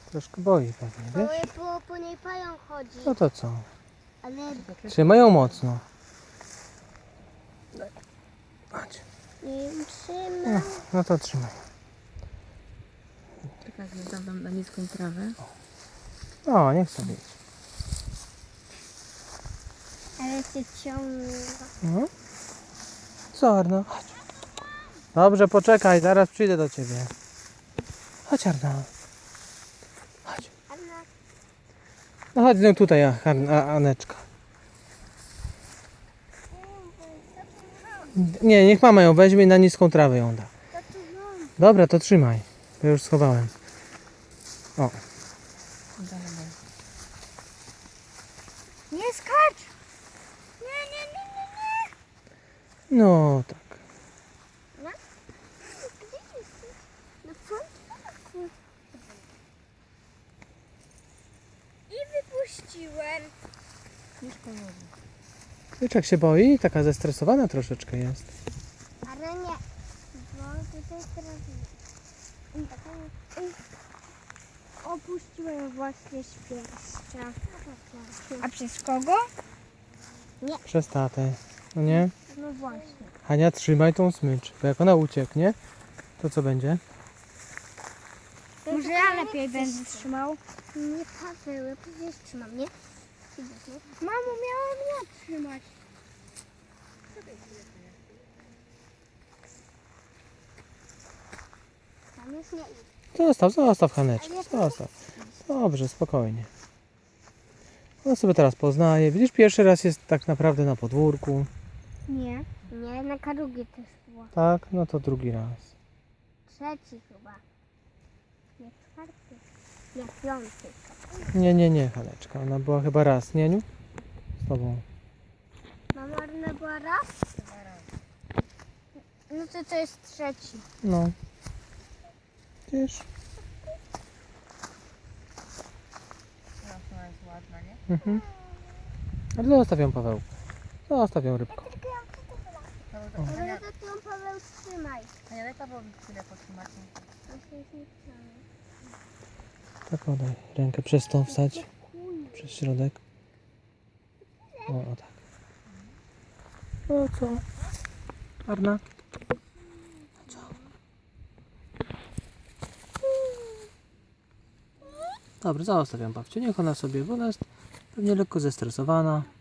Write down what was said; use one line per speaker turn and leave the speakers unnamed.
Troszkę boi pewnie,
Bo
wiesz?
po niej pająk chodzi.
No to co?
Ale
Trzymaj ją mocno. Chodź.
nie ją
No,
trzyma.
no to trzymaj.
Czekaj, dam wam na niską trawę.
O, niech sobie idzie.
Ale się ciągnie.
No. Co, Arno? Chodź. Dobrze, poczekaj, zaraz przyjdę do ciebie. Chodź, Arno. Chodź.
Anna,
No chodź no tutaj, Aneczka. Nie, niech mama ją weźmie i na niską trawę ją da.
to tu mam.
Dobra, to trzymaj. Ja już schowałem. O,
Nie skacz! Nie.
no tak.
No? Gdzie jesteś? Na początku. I wypuściłem.
Już powoli.
Wieczek się boi? Taka zestresowana troszeczkę jest.
Ale nie. Bo tutaj teraz... Opuściłem właśnie świerszcza. A przez kogo?
Przez tatę. No nie?
No właśnie.
Hania, trzymaj tą smycz, bo jak ona ucieknie, to co będzie?
Może ja lepiej będę trzymał. Nie, Paweł, ja przecież trzymam, nie? Mamo, miałam ja trzymać. Tam już nie idę.
Zostaw Haneczkę, zostaw. Dobrze, spokojnie. Ona sobie teraz poznaje. Widzisz, pierwszy raz jest tak naprawdę na podwórku.
Nie. Nie, na karugie też było.
Tak, no to drugi raz.
Trzeci chyba. Nie czwarty. Nie piąty.
Nie, Haneczka. Ona była chyba raz, nie, Niu? Z tobą.
Mama Arna była raz? No to jest trzeci.
No. Widzisz?
Teraz ona jest ładna, nie?
Mhm. Ale zostaw ją, Paweł. Zostaw ją, rybko.
Ale to ty ją, Paweł, trzymaj.
A ja daj Pawłowi chwilę potrzymać.
Tak, podaj. Rękę przez tą wstać. Przez środek. O tak. No co? Arna? Co? Dobrze, zostawiam babcię. Niech ona sobie, bo ona jest pewnie lekko zestresowana.